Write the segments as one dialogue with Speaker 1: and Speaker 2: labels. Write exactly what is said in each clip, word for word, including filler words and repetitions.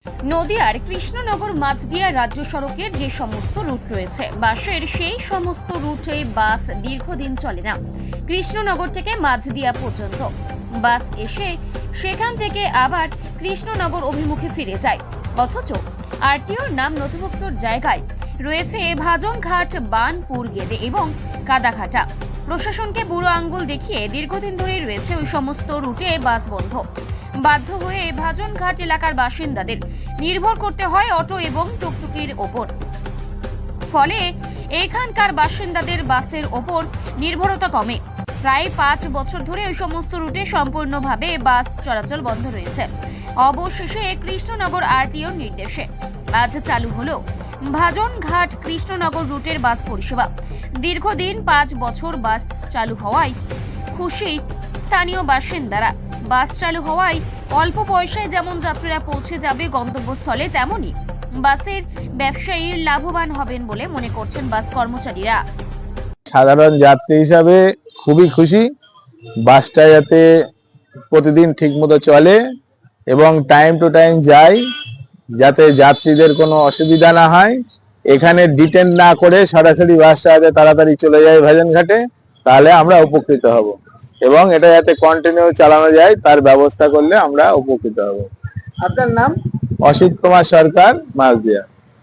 Speaker 1: নদিয়ার কৃষ্ণনগর মাঝদিয়া রাজ্য সড়কের যে সমস্ত রুট রয়েছে বাসের সেই সমস্ত রুটে বাস দীর্ঘদিন চলে না। কৃষ্ণনগর থেকে মাঝদিয়া পর্যন্ত বাস এসে সেখান থেকে আবার কৃষ্ণনগর অভিমুখে ফিরে যায়, অথচ আরটিওর নাম নথিভুক্তর জায়গায় রয়েছে ভাজনঘাট, বানপুর গেদে এবং কাদাঘাটা। প্রশাসনকে বুড়ো আঙ্গুল দেখিয়ে দীর্ঘদিন ধরেই রয়েছে ওই সমস্ত রুটে বাস বন্ধ। বাধ্য হয়ে ভাজনঘাট এলাকার বাসিন্দাদের নির্ভর করতে হয় অটো এবং টুকটুকির ওপর। ফলে এখানকার বাসিন্দাদের বাসের ওপর নির্ভরতা কমে। প্রায় পাঁচ বছর ধরে ওই সমস্ত রুটে সম্পূর্ণভাবে বাস চলাচল বন্ধ রয়েছে। অবশেষে কৃষ্ণনগর আরটিওর নির্দেশে আজ চালু হলো ভাজনঘাট কৃষ্ণনগর রুটের বাস পরিষেবা। দীর্ঘদিন পাঁচ বছর বাস চালু হওয়ায় খুশি স্থানীয় বাসিন্দারা। বাস চালু হওয়ায় অল্প পয়সায় যেমন যাত্রীরা পৌঁছে যাবে গন্তব্যস্থলে, তেমনি বাসের ব্যবসায়ীর লাভবান হবেন বলে মনে করছেন বাস কর্মচারীরা।
Speaker 2: সাধারণ যাত্রী হিসাবে খুবই খুশি, বাসটা যাতে প্রতিদিন ঠিক মতো চলে এবং টাইম টু টাইম যায়, যাতে যাত্রীদের কোনো অসুবিধা না হয়। এখানে ডিটেন না করে সরাসরি বাসটা যাতে তাড়াতাড়ি চলে যায় ভাজনঘাটে, তাহলে আমরা উপকৃত হব এবং এটা যাতে কন্টিনিউ চালানো যায় তার ব্যবস্থা করলে আমরা উপকৃত হব।
Speaker 3: আপনার নাম?
Speaker 2: অসিত কুমার সরকার, মাঝদিয়া।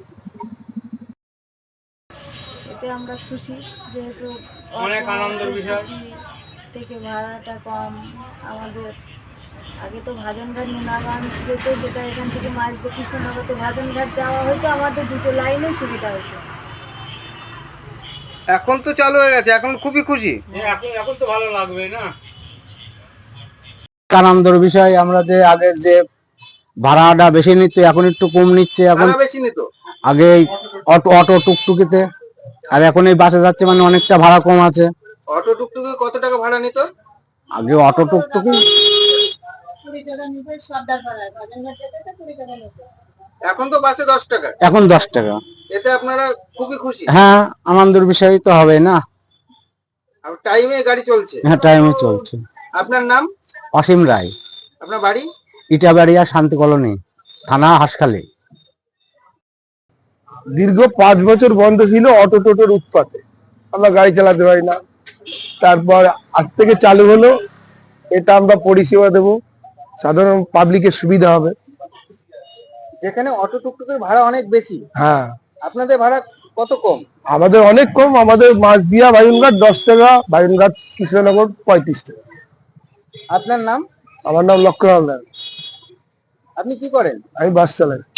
Speaker 4: এতে আমরা খুশি, যেহেতু
Speaker 3: অনেক আনন্দের বিষয়
Speaker 4: থেকে ভাড়াটা কম। আমাদের আগে তো ভাজনঘাট নুনাগঞ্জ যেত, সেটা এখান থেকে মাঝদিয়া কৃষ্ণনগরতে ভাজনঘাট যাওয়া হয়তো আমাদের দুটো লাইনে সুবিধা হতো।
Speaker 3: এখন তো চালু হয়ে গেছে, এখন খুবই খুশি। এখন এখন তো ভালো লাগবে না?
Speaker 5: আনন্দের বিষয়, আমরা যে আগে যে ভাড়াটা বেশি নিচ্ছে এখন একটু কম নিচ্ছে। এখন
Speaker 3: বেশি নিত
Speaker 5: আগে অটো অটো টুকটুকিতে, আর এখন এই বাসে যাচ্ছে মানে অনেকটা ভাড়া কম আছে।
Speaker 3: অটো টুকটুকি কত টাকা ভাড়া নিত?
Speaker 5: আগে অটো টুকটুকি
Speaker 3: এখন তো বাসে দশ টাকা,
Speaker 5: এখন দশ টাকা।
Speaker 3: এতে আপনারা খুবই খুশি?
Speaker 5: হ্যাঁ, আনন্দের বিষয় তো হবে না।
Speaker 3: আর টাইমে গাড়ি চলছে?
Speaker 5: হ্যাঁ, টাইমে চলছে।
Speaker 3: আপনার নাম?
Speaker 5: অসীম রায়।
Speaker 3: আপনার বাড়ি?
Speaker 5: ইটাবাড়িয়া, শান্তি কলোনি, থানা হাসখালি।
Speaker 2: দীর্ঘ পাঁচ বছর বন্ধ ছিল অটো টোটোর উৎপাতে, আমরা গাড়ি চালাতে পারি না। তারপর আজ থেকে চালু হলো, এটা আমরা পরিষেবা দেব, সাধারণ পাবলিকের সুবিধা হবে।
Speaker 3: যেখানে অটো টুকটুকের ভাড়া অনেক বেশি,
Speaker 2: হ্যাঁ,
Speaker 3: আপনাদের ভাড়া কত কম?
Speaker 2: আমাদের অনেক কম। আমাদের মাঝদিয়া ভাজনঘাট দশ টাকা, ভাজনঘাট কৃষ্ণনগর পঁয়ত্রিশ টাকা।
Speaker 3: আপনার নাম?
Speaker 2: আমার নাম লক্ষ্য হালদার,
Speaker 3: আপনি কি করেন?
Speaker 2: আমি বাস চালাই।